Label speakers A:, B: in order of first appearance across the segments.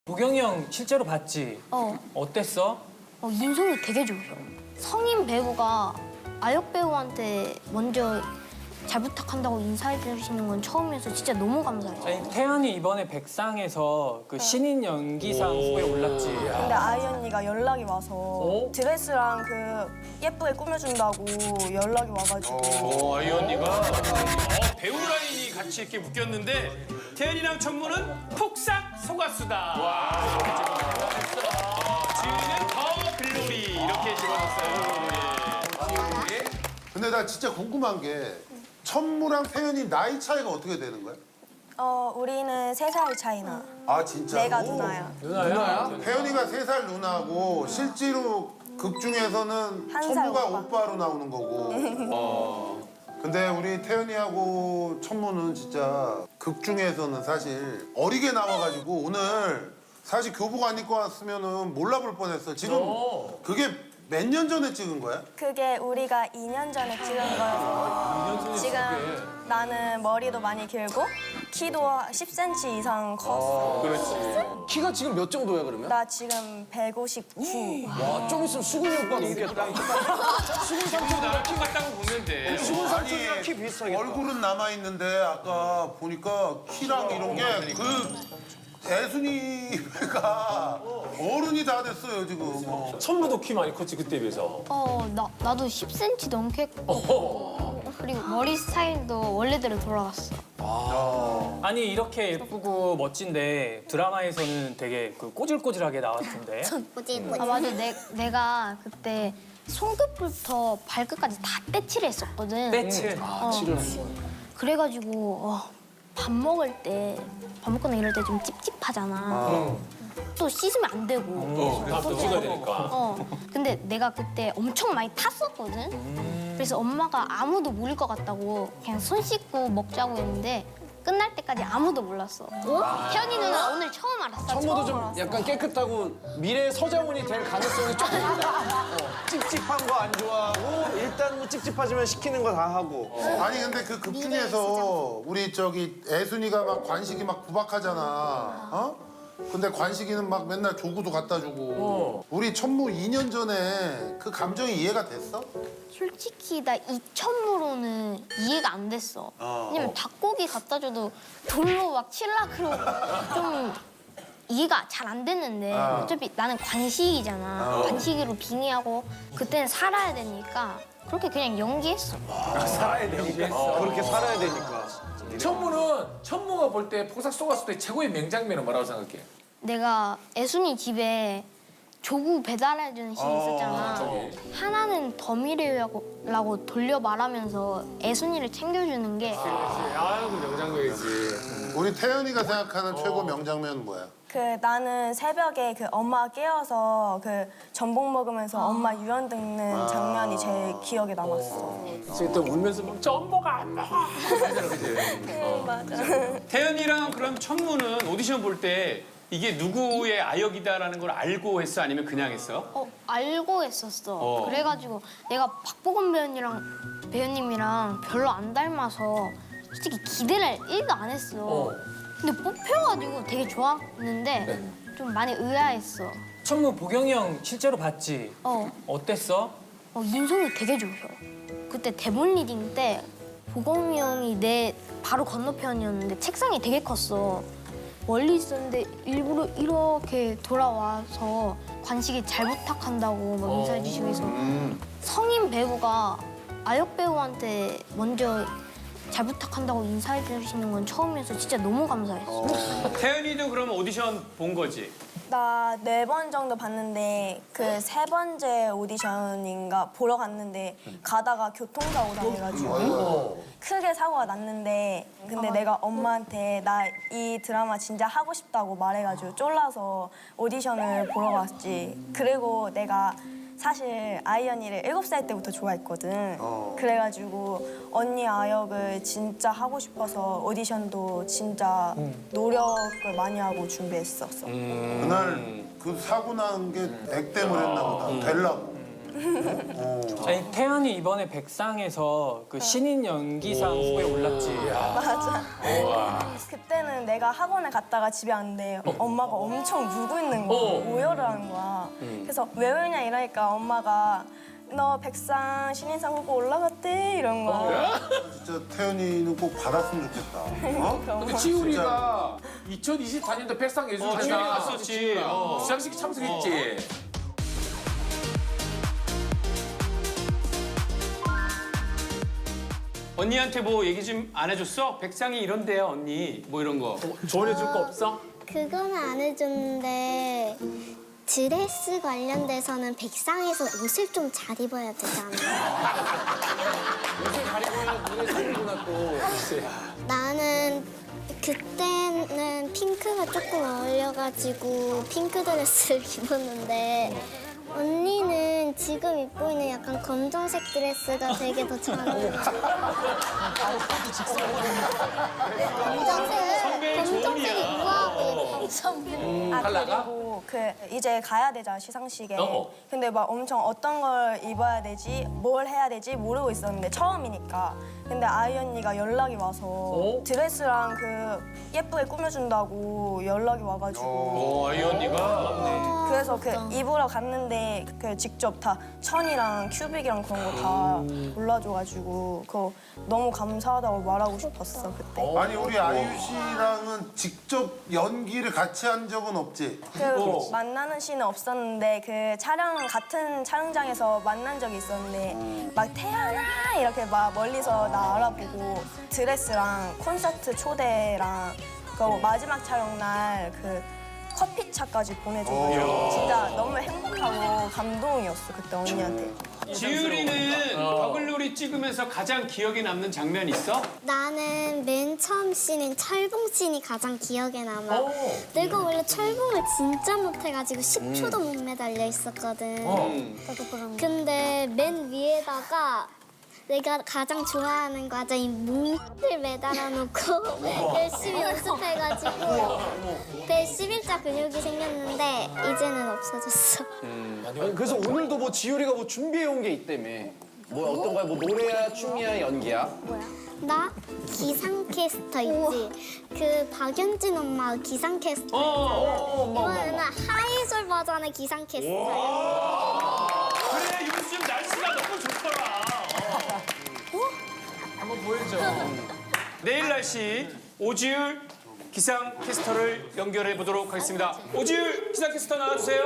A: 보경이 형 실제로 봤지? 어땠어?
B: 인성이 되게 좋으셔. 성인 배우가 아역 배우한테 먼저 잘 부탁한다고 인사해 주시는 건 처음이어서 진짜 너무 감사해요.
A: 아니, 태연이 이번에 백상에서 그 신인 연기상 후보에 올랐지.
C: 근데 아이 언니가 연락이 와서 드레스랑 그 예쁘게 꾸며준다고 연락이 와가지고
D: 아이 언니가 배우 라인이 같이 이렇게 묶였는데 태연이랑 천무는 폭삭 속았수다. 와. 지은이는 더 글로리 이렇게 집어넣었어요.
E: 근데 나 진짜 궁금한 게 천무랑 태연이 나이 차이가 어떻게 되는 거야?
C: 우리는 3살 차이나.
E: 아 진짜?
C: 내가 누나야.
A: 누나야?
E: 태연이가 3살 누나고 실제로 극 중에서는
C: 한살
E: 천무가
C: 오빠.
E: 오빠로 나오는 거고. 근데 우리 태연이하고 천무는 진짜 극 중에서는 사실 어리게 나와가지고 오늘 사실 교복 안 입고 왔으면은 몰라볼 뻔했어. 지금 그게 몇 년 전에 찍은 거야?
C: 그게 우리가 2년 전에 찍은 거여서 지금 나는 머리도 많이 길고 키도 10cm 이상 컸어.
F: 키가 지금 몇 정도야 그러면?
C: 나 지금 159.
F: 와, 좀 있으면 수근이 오빠 넘겠다. 수근 삼촌이랑
D: 키 같다고 보면 돼.
F: 수근 삼촌이랑 키 비슷하겠다.
E: 얼굴은 남아있는데 아까 보니까 키랑 이런 게 그 애순이가 어른이 다 됐어요 지금.
G: 천무도 키 많이 컸지 그때에 비해서.
B: 나도 10cm 넘게 했고 그리고 머리 스타일도 원래대로 돌아갔어.
A: 아니 이렇게 예쁘고 멋진데 드라마에서는 되게 그 꼬질꼬질하게 나왔던데.
B: 맞아. 내가 그때 손끝부터 발끝까지 다 떼칠을 했었거든.
A: 떼칠.
B: 그래가지고 밥 먹을 때 밥 먹거나 이럴 때 좀 찝찝하잖아. 또 씻으면 안 되고.
G: 밥도 찍어야 되니까.
B: 근데 내가 그때 엄청 많이 탔었거든. 그래서 엄마가 아무도 모를 것 같다고 그냥 손 씻고 먹자고 했는데 끝날 때까지 아무도 몰랐어. 태연이 누나 오늘 처음 알았어.
F: 천무도 좀 약간 깨끗하고 미래 서장훈이 될 가능성이 조금 있다.
H: 찝찝한 거 안 좋아하고 일단 뭐 찝찝하지만 시키는 거 다 하고.
E: 아니 근데 그 극 중에서 우리 저기 애순이가 막 관식이 막 구박하잖아. 근데 관식이는 막 맨날 조구도 갖다 주고. 우리 천무 2년 전에 그 감정이 이해가 됐어?
B: 솔직히 나 이천무로는 이해가 안 됐어. 왜냐면 닭고기 갖다 줘도 돌로 막 칠라 그러고 좀 이해가 잘 안 됐는데 어차피 나는 관식이잖아. 관식이로 빙의하고 그때는 살아야 되니까 그렇게 그냥 연기했어.
H: 그렇게 살아야 되니까.
G: 천무가 볼 때 폭삭 속았을 때 최고의 명장면은 뭐라고 생각해?
B: 내가 애순이 집에 조구 배달해주는 씬이 있었잖아. 하나는 덤이라고 돌려 말하면서 애순이를 챙겨주는 게
G: 아이고 명장면이지.
E: 우리 태연이가 생각하는 최고 명장면은 뭐야?
C: 나는 새벽에 그 엄마 깨워서 그 전복 먹으면서 엄마 유연 듣는 장면이 제일 기억에 남았어.
G: 그때 울면서 막 전보가 안 먹어.
C: 맞아.
D: 태연이랑 그럼 천무는 오디션 볼 때 이게 누구의 아역이다라는 걸 알고 했어? 아니면 그냥 했어?
B: 알고 했었어. 그래가지고 내가 박보검 배우님이랑 별로 안 닮아서 솔직히 기대를 1도 안 했어. 근데 뽑혀가지고 되게 좋았는데 좀 많이 의아했어.
A: 천무 보경이 형 실제로 봤지? 어땠어?
B: 인성이 되게 좋으셔. 그때 대본 리딩 때 보검이 형이 내 바로 건너편이었는데 책상이 되게 컸어. 멀리 있었는데 일부러 이렇게 돌아와서 관식이 잘 부탁한다고 막 인사해 주시고 해서 성인 배우가 아역 배우한테 먼저 잘 부탁한다고 인사해 주시는 건 처음이어서 진짜 너무 감사했어.
D: 태연이도 그럼 오디션 본 거지?
C: 나 4번 정도 봤는데 그 3번째 오디션인가 보러 갔는데 가다가 교통사고 당해가지고 크게 사고가 났는데 근데 내가 엄마한테 나 이 드라마 진짜 하고 싶다고 말해가지고 쫄라서 오디션을 보러 갔지. 그리고 내가 사실 아이 언니를 7살 때부터 좋아했거든. 그래가지고 언니 아역을 진짜 하고 싶어서 오디션도 진짜 노력을 많이 하고 준비했었어.
E: 그날 그 사고 난 게 액땜을 했나 보다. 되려고.
A: 아니 태연이 이번에 백상에서 그 신인 연기상 후보에 올랐지.
C: 맞아. 그때는 내가 학원에 갔다가 집에 왔는데 엄마가 엄청 울고 있는 거야. 오열을 하는 거야. 그래서 왜 울냐 이러니까 엄마가 너 백상 신인상 후보 올라갔대 이런 거.
E: 진짜 태연이는 꼭 받았으면 좋겠다. 어?
G: 근데 지훈이가 2024년도 백상예술대상
D: 지훈이 갔었지.
G: 시상식 참석했지.
D: 언니한테 뭐 얘기 좀 안 해줬어? 백상이 이런데요, 언니. 뭐 이런 거.
G: 조언해줄 거 없어?
B: 그건 안 해줬는데 드레스 관련돼서는 백상에서 옷을 좀 잘 입어야 되잖아.
G: 옷을 가리고는 눈에 보이구나 또.
B: 나는 그때는 핑크가 조금 어울려가지고 핑크 드레스를 입었는데 언니는 지금 입고 있는 약간 검정색 드레스가 되게 더 잘 어울려.
D: 선배의
B: 검정색이 우아하고
C: 아
G: 칼라가?
C: 그리고 그 이제 가야 되잖아 시상식에.
G: 어.
C: 근데 막 엄청 어떤 걸 입어야 되지, 뭘 해야 되지 모르고 있었는데 처음이니까. 근데 아이 언니가 연락이 와서 드레스랑 그 예쁘게 꾸며준다고 연락이 와가지고.
D: 아이 언니가.
C: 그래서 그 입으러 갔는데 그 직접 다 천이랑 큐빅이랑 그런 거 다 골라줘가지고 그거 너무 감사하다고 말하고 싶었어 그때.
E: 아니 우리 아이유 씨랑은 직접 연기를 같이 한 적은 없지?
C: 그 만나는 씬은 없었는데 그 촬영 같은 촬영장에서 만난 적이 있었는데 막 태연아 이렇게 막 멀리서 나 알아보고 드레스랑 콘서트 초대랑 그 마지막 촬영 날 그 커피차까지 보내줘서 진짜 너무 행복하고 감동이었어 그때 언니한테.
D: 지율이는 버글놀이 찍으면서 가장 기억에 남는 장면 있어?
B: 나는 맨 처음 씬인 철봉 씬이 가장 기억에 남아. 내가 원래 철봉을 진짜 못해가지고 10초도 못 매달려 있었거든. 나도 그런 근데 맨 위에다가 내가 가장 좋아하는 과자인 뭉을 매달아 놓고 열심히 연습해가지고 배 11자 근육이 생겼는데 이제는 없어졌어.
F: 아니, 그래서 오늘도 뭐 지효리가 뭐 준비해 온 게 있다며. 뭐 어떤 거야? 뭐 노래야, 춤이야, 연기야?
B: 나 기상캐스터 있지? 그 박연진 엄마 기상캐스터 이번에는 하이솔 버전의 기상캐스터야.
D: 그래 요즘 날씨가 너무 좋더라.
G: 한번 보여줘.
D: 내일 날씨 오지율 기상캐스터를 연결해 보도록 하겠습니다. 오지율 기상캐스터 나와주세요.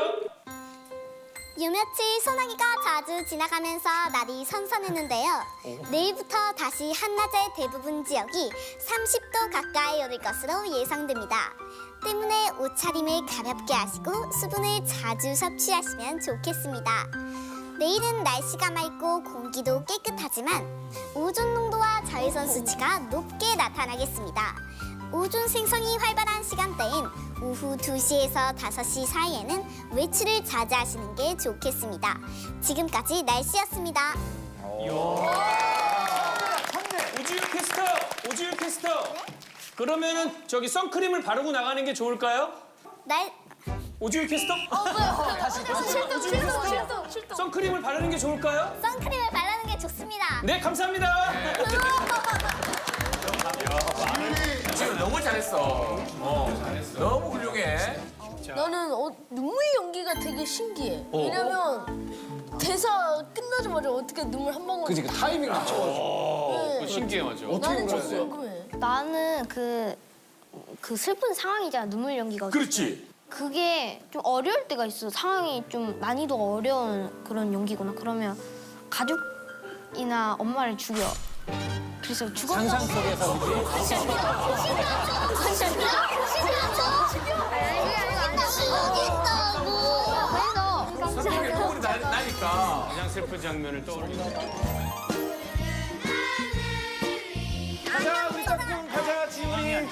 B: 유며칠 소나기가 자주 지나가면서 날이 선선했는데요. 내일부터 다시 한낮에 대부분 지역이 30도 가까이 오를 것으로 예상됩니다. 때문에 옷차림을 가볍게 하시고 수분을 자주 섭취하시면 좋겠습니다. 내일은 날씨가 맑고 공기도 깨끗하지만 오존 농도와 자외선 수치가 높게 나타나겠습니다. 오존 생성이 활발한 시간대인 오후 2시에서 5시 사이에는 외출을 자제하시는 게 좋겠습니다. 지금까지 날씨였습니다.
D: 오지율 캐스터. 그러면은 저기 선크림을 바르고 나가는 게 좋을까요? 오지율 캐스터?
B: 출동.
D: 선크림을 바르는 게 좋을까요?
B: 선크림을 바르는 게 좋습니다.
D: 네 감사합니다.
G: 지금 너무 잘했어. 너무 훌륭해.
I: 나는 눈물 연기가 되게 신기해. 왜냐면 대사 끝나자마자 어떻게 눈물 한 방울.
F: 그지, 그 타이밍 맞춰가지고.
D: 그거 신기해 맞아.
I: 나는 좀 궁금해.
B: 나는 그 슬픈 상황이잖아, 눈물 연기가.
D: 그렇지.
B: 그게 좀 어려울 때가 있어. 상황이 좀 난이도가 어려운 그런 연기구나. 그러면 가족이나 엄마를 죽여. 그래서 죽었어.
A: 상상 속에서 그지?
G: 선생님의 눈물이 나니까.
D: 가장 슬픈 장면을 떠올리고.
H: 가자, 우리 짝꿍 가자, 지훈이.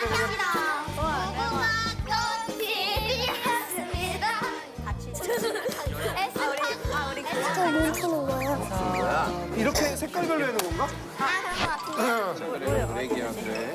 H: 이렇게 색깔별로 해놓은 건가?
F: 애기야, 그래.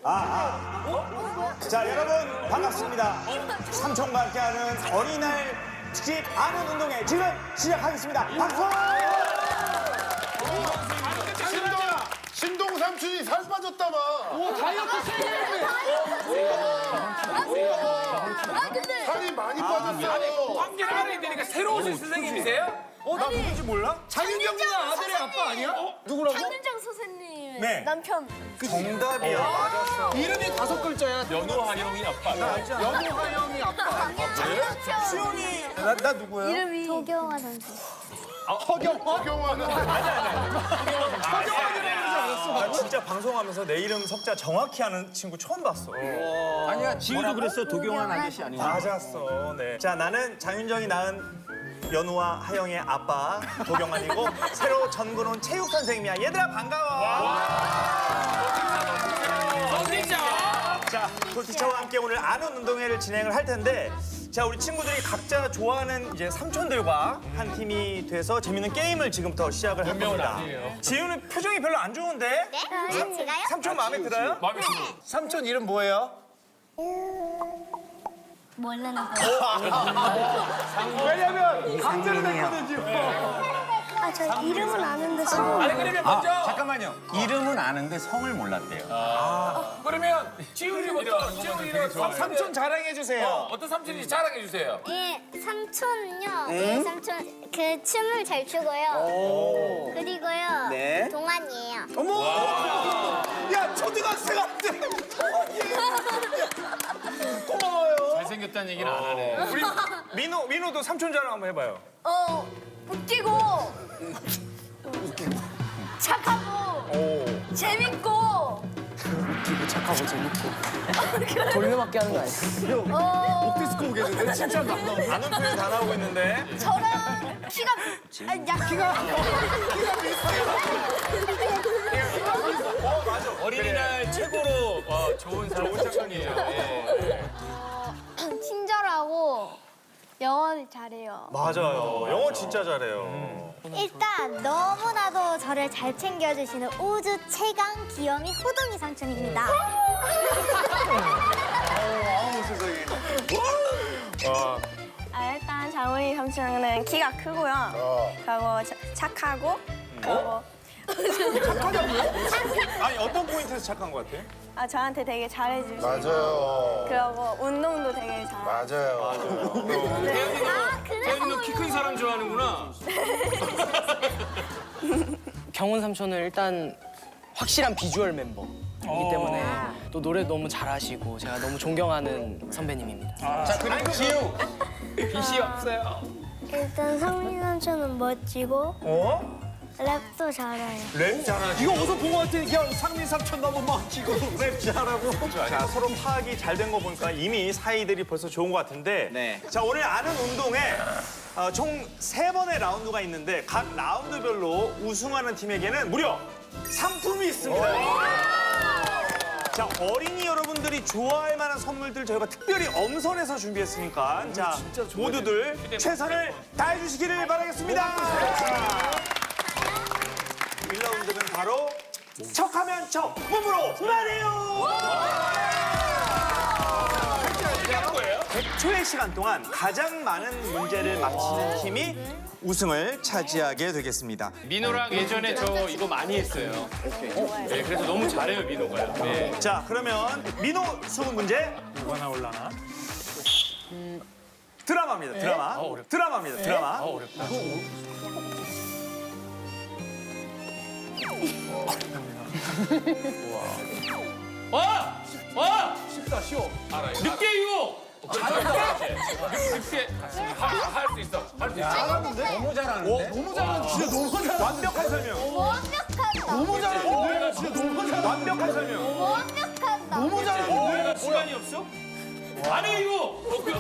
H: 자, 여러분 반갑습니다. 삼촌과 함께하는 어린이날 특집 아는 운동회 지금 시작하겠습니다. 박수!
E: 신동 삼촌이 살 빠졌다마. 살이 많이 빠졌어.
G: 관계를 알아야 되니까 새로 오신 선생님이세요?
H: 나 누군지 몰라?
G: 장윤경 누나 아들의 아빠 아니야? 누구라고?
I: 장윤정 선생님
H: 네.
I: 남편.
H: 정답이야. 맞았어.
G: 이름이 5글자야. 연호하영이 아빠. 연호하영이 아빠.
H: 수연이. 나 누구야?
I: 이름이
B: 도경아 선수.
E: 허경환은
H: 나 진짜 방송하면서 내 이름 석자 정확히 하는 친구 처음 봤어.
F: 아니야, 지우도 그랬어. 도경환 아저씨 아니야?
H: 맞았어. 네. 자, 나는 장윤정이 낳은 연우와 하영의 아빠 도경환이고 새로 전군 온 체육 선생님이야. 얘들아 반가워. 자, 도티처와 함께 오늘 아는 운동회를 진행을 할 텐데, 자, 우리 친구들이 각자 좋아하는 이제 삼촌들과 한 팀이 돼서 재밌는 게임을 지금부터 시작을 할 겁니다. 지우는 표정이 별로 안 좋은데?
B: 제가요?
H: 삼촌 마음에 들어요?
G: 마음에 들어.
H: 삼촌 이름 뭐예요?
B: 모르는 거.
H: 왜냐면 강제로 됐거든 지금.
B: 저 이름은 아는데 성.
G: 아니 그러면 먼저
F: 잠깐만요. 이름은 아는데 성을 몰랐대요.
G: 그러면 지훈이부터 지훈이는
H: 삼촌 자랑해 주세요.
G: 어떤 삼촌인지 자랑해 주세요.
B: 예, 삼촌은요. 예, 삼촌 그 춤을 잘 추고요. 그리고요.
H: 네.
B: 동안이에요.
H: 어머! 야, 초등학생한테 고마워요.
D: 잘생겼다는 얘기는 안 하네.
H: 우리 민호도 삼촌 자랑 한번 해봐요.
I: 웃기고 착하고 재밌고
A: 돌려막기 하는 거 아니야?
H: 옥디스코 오겠는데? 진짜 아는 표현 다 나오고 있는데.
I: 저랑 키가 아니 야 키가
D: 어린이날 최고로 좋은 삼촌이에요.
B: 친절하고 영어를 잘해요.
H: 맞아요. 영어 진짜 잘해요.
B: 일단 너무나도 저를 잘 챙겨주시는 우주 최강 귀염이 호동이 삼촌입니다.
C: 일단 장훈이 삼촌은 키가 크고요. 그리고 착하고 그리고
H: 아니, 어떤 포인트에서 착한 것 같아?
C: 저한테 되게 잘해주시고
E: 맞아요.
C: 그리고 운동도 되게 잘하고
E: 맞아요.
D: 태연이는 키 큰 사람 좋아하는구나.
A: 경훈 삼촌은 일단 확실한 비주얼 멤버이기 때문에 또 노래 너무 잘하시고 제가 너무 존경하는 선배님입니다.
D: 자 그리고 지우. 빛이 없어요.
B: 일단 성민 삼촌은 멋지고 랩도 잘해요.
H: 랩 잘하지. 이거 어디서 본 것 같아? 그냥 상민 삼촌 너무 멋지고 랩 잘하고. 자, 서로 파악이 잘 된 거 보니까 이미 사이들이 벌써 좋은 것 같은데.
F: 네.
H: 자, 오늘 아는 운동에 총 3번의 라운드가 있는데 각 라운드별로 우승하는 팀에게는 무려 상품이 있습니다. 자, 어린이 여러분들이 좋아할 만한 선물들 저희가 특별히 엄선해서 준비했으니까 자, 모두들 최선을 다해 주시기를 바라겠습니다. 1라운드는 바로 척하면 척, 몸으로 말해요! 100초의 시간 동안 가장 많은 문제를 맞히는 팀이 우승을 차지하게 되겠습니다.
D: 민호랑 예전에 저 이거 많이 했어요. 네, 그래서 너무 잘해요 민호가요. 네.
H: 자, 그러면 민호 수능 문제 누가 나올라나? 드라마입니다, 드라마. 드라마입니다, 드라마.
D: 와!
G: 쉽다 쉬워. 알아요.
D: 늑대 유혹!
G: 잘한다.
D: 늑대
G: 할 수 있어. 할 수 있어.
F: 너무 잘하는데?
G: 너무 잘하는 진짜 너무 잘하는.
H: 완벽한 설명.
B: 완벽하다.
G: 너무 잘하는데 진짜 너무 잘하는.
H: 완벽한 설명.
B: 완벽하다.
G: 너무 잘하는데.
D: 시간이 없어? 아니 이거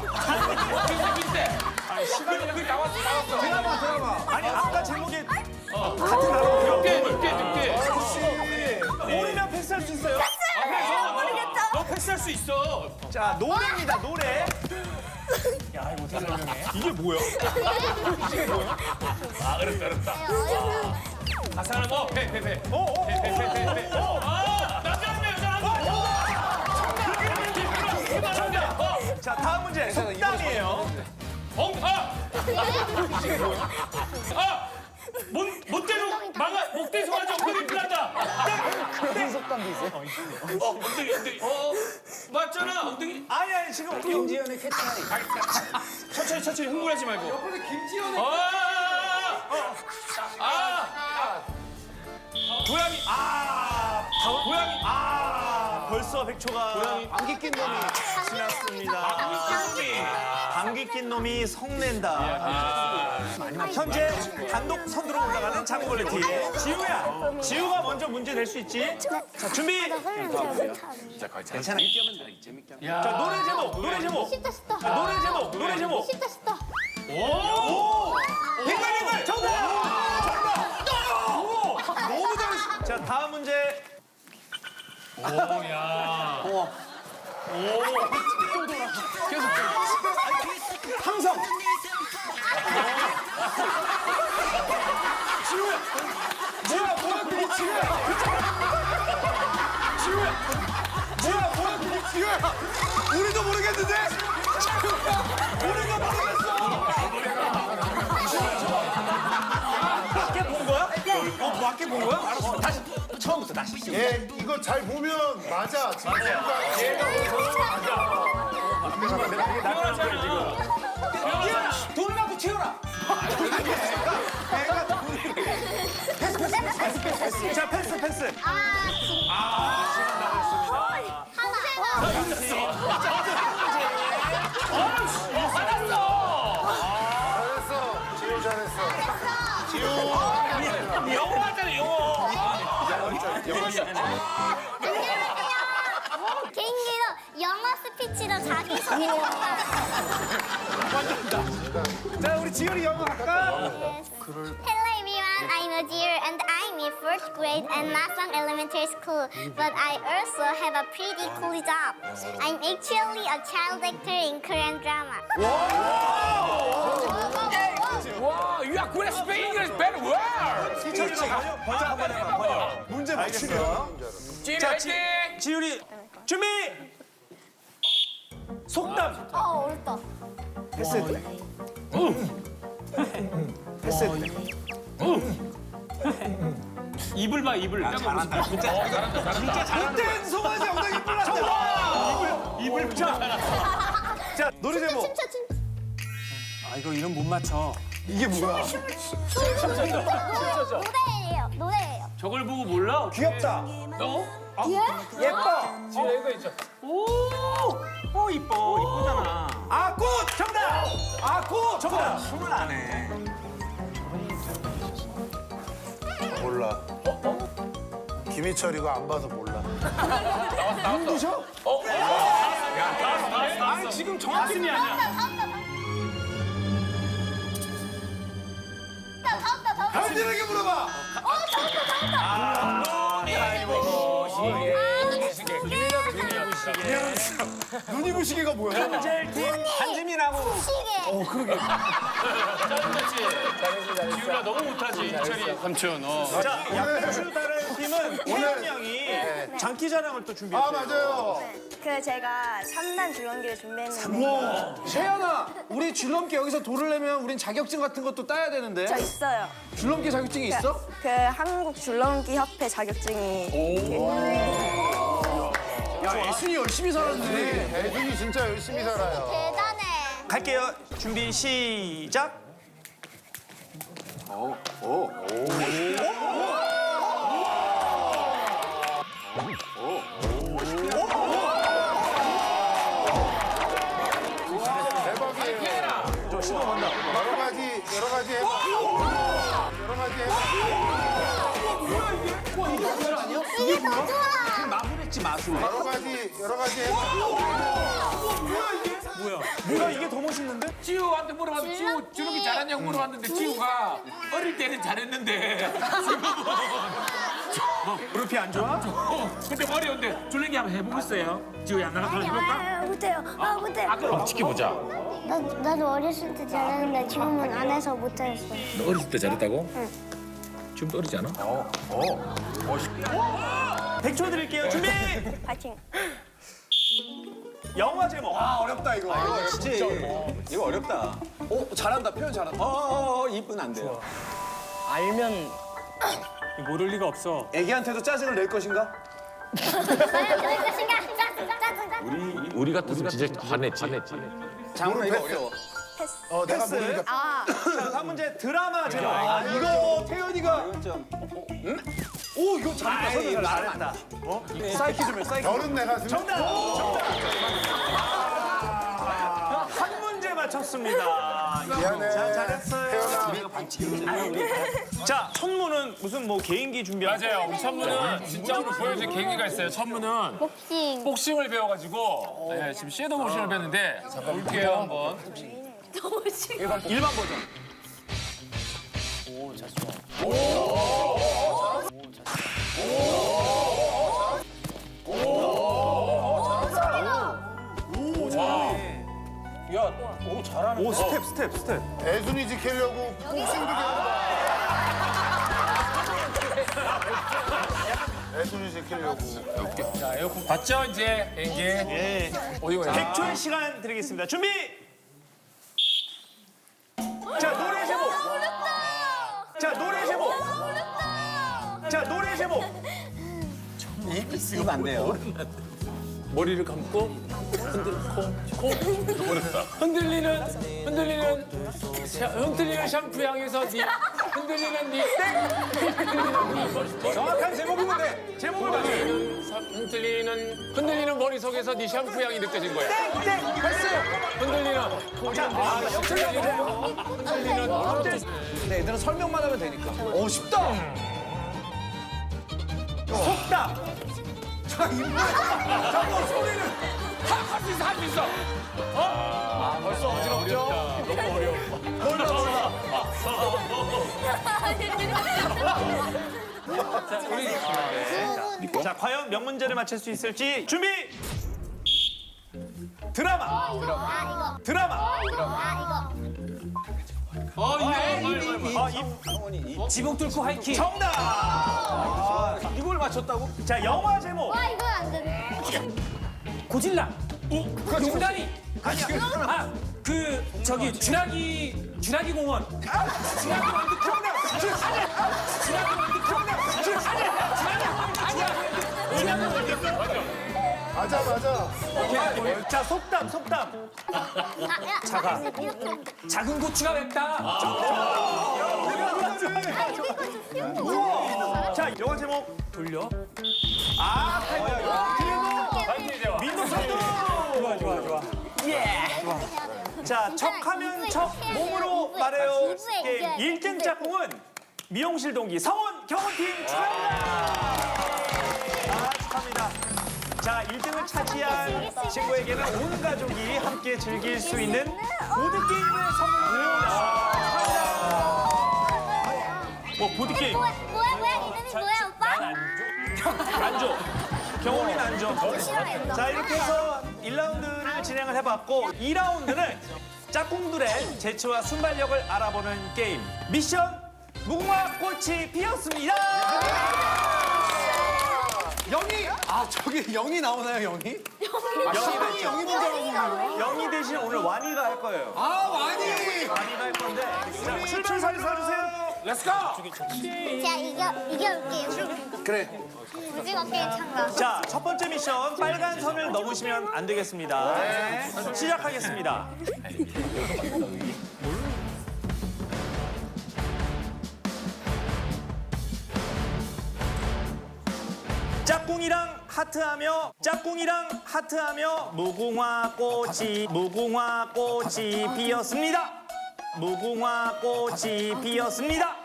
G: 그 나왔어.
H: 드라마. 아니, 아까 제목이 같은 나라.
D: 늑대
H: 노래면 패스할 수 있어요?
D: 너 패스할 수 있어.
H: 자, 노래입니다, 노래. 이게 뭐야?
D: 아 어렵다. 가사는 배.
H: 어, 어, 어, 어, 어, 어.
D: 남자 한 명, 여자 한 명. 못대로 망아 목대 송아지 엉덩이 필한다.
A: 속담도 있어요.
D: 엉덩이. 맞잖아 엉덩이.
H: 아니 지금
F: 김지현의 캐치하이.
D: 천천히 흥분하지 말고.
G: 옆에서 김지현의
D: 고양이. 고양이.
H: 벌써 100초가
F: 안기 낀 놈이.
H: 지났습니다. 감기 낀 놈이 성낸다. 현재 단독 선두로 올라가는 장구벌레 팀. 지우가 먼저 문제 낼 수 있지? 자, 준비.
F: 괜찮아. 재밌게 하면
H: 자, 노래 제목.
B: 쉽다 쉽다.
H: 노래 제목.
B: 쉽다 쉽다.
H: 빙글빙글 정답! 너무 잘했어. 자, 다음 문제. 함성. 뭐야 그게 지우야. 우리도 모르겠는데? 우리도 모르겠어. 맞게 본 거야? 맞게 본 거야? 알았어. 다시 처음부터 다시.
E: 얘 이거 잘 보면 맞아. 지금 얘가
F: 돈을 갖고 채워라.
H: 자, 패스.
E: 지우 잘했어.
D: 영어 하잖아 영어.
B: 개인기로 영어 스피치로 자기소개.
H: 자, 우리 지율이 영어 할까?
B: Hello everyone, I'm Ajir and I'm in 4th grade at Nasang Elementary School. But I also have a pretty cool job. I'm actually a child actor in Korean drama.
G: 와, you are good at speaking English very well.
H: 번역 한번 해봐, 번역. 문제 맞추면.
G: 지리
H: 자,
G: 화이팅!
H: 지율이 준비! 속담.
B: 어렵다.
H: 패스 때. 패스 때.
D: 입을 봐 입을.
H: 잘한다. 진짜 잘한다. 못된 송아지 엉덩이 뿔났다. 입을 자. 자, 노래 제목.
B: 춤춰.
D: 아 이거 이름 못 맞춰.
H: 이게 뭐야?
B: 노래예요.
D: 저걸 보고 몰라?
H: 귀엽다. 예뻐.
G: 지리 이거 있죠.
D: 이쁘잖아.
H: 아꽃 정답. 아꽃 정답. 숨을 안 해.
E: 몰라. 김희철 이거 안 봐서 몰라.
H: 눈부셔?
D: 아니 지금 정확히 아니야.
E: 현진에게 물어봐. 눈이 부시게가 뭐야?
H: 한지민하고.
B: 시계.
D: 지우라 너무 못하지 이철이 삼촌.
H: 자, 양배추 다른 팀은 태연 양이 장기 자랑을 또
E: 아
H: 준비했어요.
E: 맞아요.
C: 그 제가 3단 줄넘기를 준비했는데
F: 세연아, 우리 줄넘기 여기서 돌을 내면 우린 자격증 같은 것도 따야 되는데.
C: 저 있어요.
F: 줄넘기 자격증이 있어?
C: 그 한국 줄넘기 협회 자격증이
F: 야, 애순이 열심히 살았네.
E: 애준이 진짜 열심히 살아요.
B: 대단해.
H: 갈게요. 준비 시작.
E: 대박이에요.
H: 저 신호 간다.
E: 여러 가지 해봐. 여러 가지 해봐.
B: 이게 더 좋아.
F: 마무리했지, 마술.
E: 여러 가지 해봐.
H: 뭐야 이게 더 멋있는데?
G: 지우한테 물어봤는데 지우 줄넘기 잘하냐고 물어봤는데 지우가 어릴 때는 잘했는데
H: 무릎이 안 좋아?
G: 근데 어려운데 줄넘기 한번 해보겠어요? 지우야 나랑 해볼까?
B: 못해요. 못해.
G: 그럼 지켜보자.
B: 나도 어렸을 때 잘했는데 지금은 안 해서 못하겠어.
G: 너 어렸을 때 잘했다고? 응. 지금도 어리지 않아?
H: 100초 드릴게요. 준비.
C: 파이팅.
H: 영화 제목.
F: 어렵다, 이거. 이거 진짜 어렵다. 이거 어렵다. 잘한다. 표현 잘한다. 이분 안 돼요.
A: 알면
H: 모를 리가 없어.
F: 애기한테도 짜증을 낼 것인가?
G: 우리 같았으면 진짜 화냈지.
F: 장훈아 이거 어려워.
E: 내가 모르니까.
H: 자, 다음 문제 드라마 제목.
F: 이거 태연이가 오 이거 잘했다.
H: 이거
F: 잘했다. 사이키 좀 해. 사이키.
E: 별은 내가 쓰면.
H: 정답. 한 문제 맞췄습니다.
E: 미안해.
H: 자, 잘했어요.
E: 태연아.
H: 자, 천무는 무슨 뭐 개인기 준비한
G: 맞아요. 우리 천무는 진짜 오늘 보여줄 계기가 있어요. 천무는
B: 복싱.
G: 복싱을 배워가지고 지금 섀도우 복싱을 배웠는데 볼게요 한번.
H: 일반 버전.
A: 오, 자 좋아.
H: 오, 스텝.
E: 애순이 지키려고 복싱도 배운다. 애순이 지키려고.
G: 봤죠 이제 이게
H: 예.
G: 어디가
H: 100초의 시간 드리겠습니다. 준비! 자, 노래 제목. 자, 노래 제목. 자, 노래 제목.
F: 이거 안 돼요.
G: 머리를 감고 흔들리는 샴푸 향에서 네 흔들리는 네
F: 정확한 제목이면 돼.
H: 제목을 맞춰.
G: 흔들리는 머릿속에서 네 샴푸 향이 느껴진 거야. 흔들리는
F: 네, 얘들은 설명만 하면 되니까. 오 쉽다.
H: 속담.
G: 할 수 있어.
F: 벌써 어지럽죠?
G: 너무 어려워.
H: 자, 과연 몇 문제를 맞힐 수 있을지 준비! 드라마.
F: 지붕 뚫고 하이킹.
H: 정답!
F: 이걸 맞췄다고?
H: 자, 영화 제목.
B: 이거 안 돼.
G: 고질라. 용다리. 아니야. 그 저기 주라기 공원.
E: 맞아.
H: 자, 속담.
G: 작은 고추가 맵다.
H: 자, 영화 제목.
G: 돌려.
H: 그리고 민노선도. 좋아. 자, 척하면 척, 몸으로 말해요 게임 1등 짝꿍은 미용실 동기 성원 경호팀 축하합니다. 축하합니다. 자, 1등을 차지한 친구에게는 온 가족이 함께 즐길 수 있는 보드게임을 선물드립니다. 뭐 보드게임
B: 뭐야 이름이 뭐야 오빠?
H: 안 줘. 경호는 안 줘. 자, 이렇게 해서 1라운드를 진행을 해봤고 2라운드는 짝꿍들의 재치와 순발력을 알아보는 게임 미션 무궁화 꽃이 피었습니다.
F: 영희! 저기 영희 나오나요, 영희? 영희 먼저
H: 영희 대신 오늘 완이가 할 거예요.
F: 완이!
H: 완이가 할 건데 자, 출발선을 서주세요.
G: 렛츠고.
B: 자 이겨올게요.
F: 그래.
B: 오징어 게임 참가.
H: 자, 첫 번째 미션 빨간 선을 넘으시면 안 되겠습니다. 시작하겠습니다. 짝꿍이랑 하트하며 무궁화 꽃이 피었습니다. 무궁화 꽃이 피었습니다.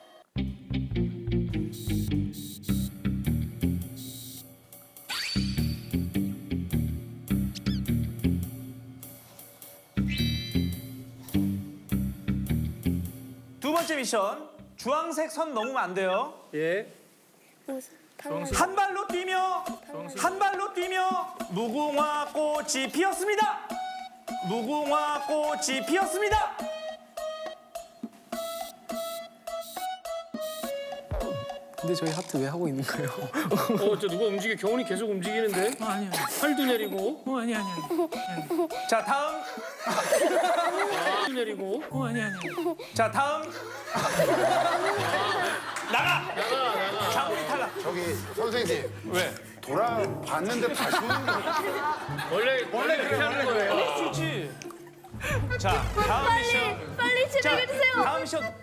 H: 두 번째 미션 주황색 선 넘으면 안 돼요. 한 발로 뛰며 무궁화 꽃이 피었습니다. 무궁화 꽃이 피었습니다.
A: 근데 저희 하트 왜 하고 있는 거예요?
G: 저 누가 움직여? 경훈이 계속 움직이는데? 아니야. 팔도 내리고. 아니야.
H: 자, 다음
G: 내리고. 아니.
H: 자, 다음. 나가. 장훈이 탈락.
E: 저기 선생님
D: 왜?
E: 돌아봤는데 다시 오는 거
D: 원래 그렇게 하는 거예요.
H: 그렇지. 자, 다음 미션.
I: 빨리 진행해 주세요.
H: 다음 미션.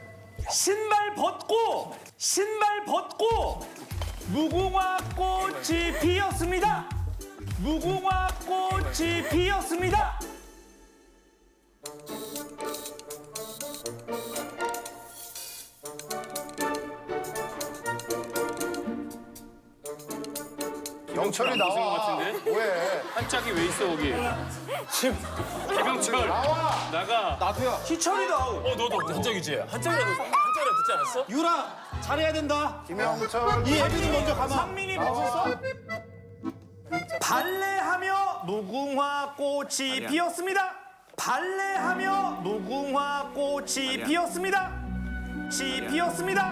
H: 신발 벗고 무궁화 꽃이 피었습니다. 무궁화 꽃이 피었습니다.
E: 영철이
D: 안 보신 것
E: 나와.
D: 같은데?
E: 왜?
D: 한짝이 왜 있어 거기? 지금 김영철 나가.
H: 희철이도 아웃.
D: 너도 한짝이지? 한짝이라도 듣지 않았어?
F: 유라 잘해야 된다.
E: 김영철.
F: 이 애비는 먼저 가마.
H: 상민이 벗었어? 발레하며 무궁화 꽃이 피었습니다. 발레하며 무궁화 꽃이 피었습니다. 피었습니다.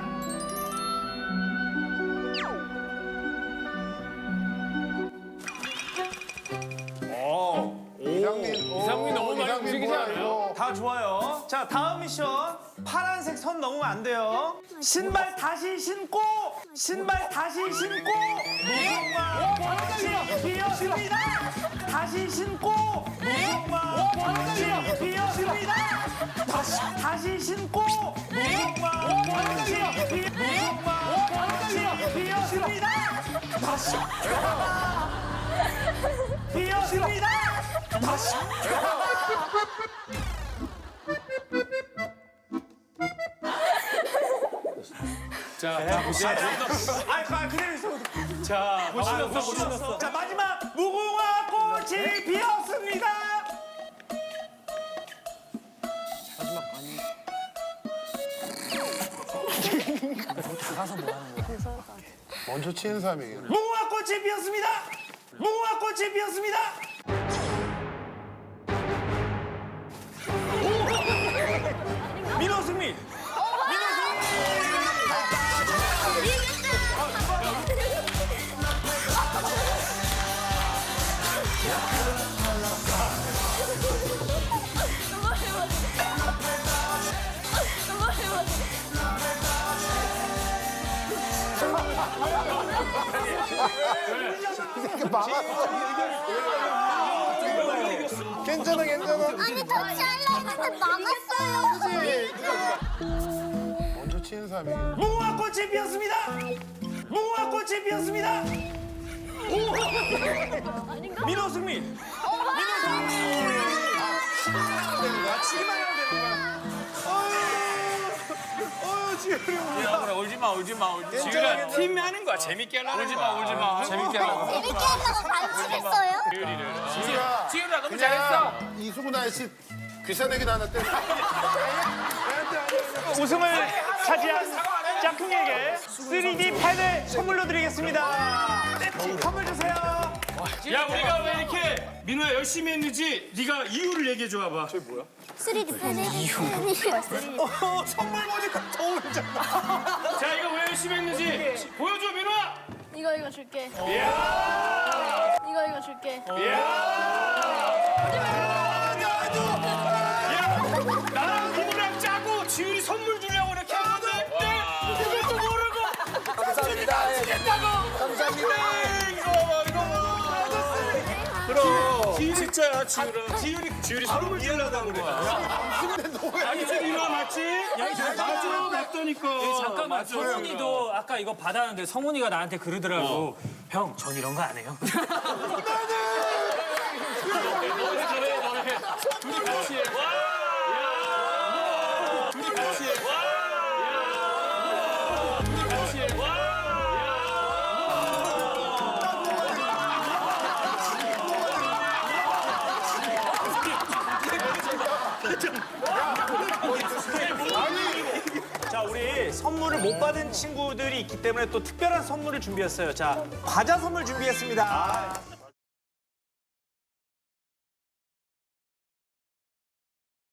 E: 이상민
D: 너무 많이
E: 이상민
D: 움직이지
E: 뭐야,
D: 않아요?
E: 이거.
H: 다 좋아요. 자, 다음 미션. 파란색 선 넘으면 안 돼요. 신발 다시 신고 무궁화 꽃이 피었습니다. 다시 신고 무궁화 꽃이 피었습니다. 다시 신고 무궁화 꽃이 피었습니다. 피었습니다.
D: 자, 보세요.
H: 그대로 있어.
D: 자, 보시면서.
H: 자, 마지막 무궁화 꽃이 피었습니다.
E: 먼저 치는 사람이 이기는.
H: 무궁화 꽃이 피었습니다. 무궁화 꽃이 피었습니다. 민호 승리.
E: 괜찮아.
B: 아니 터치하려고 막았어요.
E: 먼저 치는 사람이 이기는.
H: 무궁화 꽃이 피었습니다. 무궁화 꽃이 피었습니다. 민호 승리. 치기만 하면 되는 거야.
D: 야, 그래, 울지 마. 지금 팀 하는 거야. 재밌게 하려고. 울지 마. 재밌게 하려고.
B: 재밌게 하려고 반칙했어요?
G: 지은아 너무 잘했어.
E: 이수근 아저씨 귀사내기도 하나 때려.
H: 우승을 차지한 짝퉁에게 3D 펜을 선물로 드리겠습니다. 선물 주세요.
D: 야, 우리가 왜 이렇게 민호야 열심히 했는지 네가 이유를 얘기해 줘 봐봐.
B: 3D 펜이
H: 선물 보니까 더 울잖아.
D: 자, 이거 왜 열심히 했는지 보여줘, 민호야.
I: 이거 줄게. 이거 줄게.
D: 나랑 민호랑 짜고 지율이 선물 주려고 이렇게 하는데 그것도 모르고 감사합니다. 감사합니다. 이거 봐. 그럼 진짜야, 지율이 선물 주려고 그래. 아니, 지금 민호가 맞지? 맞아, 맞다니까.
J: 잠깐만,
D: 맞아.
J: 성훈이도 아까 이거 받았는데 성훈이가 나한테 그러더라고. 형, 전 이런 거 안 해요.
D: 너네. 둘이 같이 해. 둘이 같이 해. 둘이 같이 해.
H: 자, 우리 선물을 못 받은 친구들이 있기 때문에 또 특별한 선물을 준비했어요. 자, 과자 선물 준비했습니다.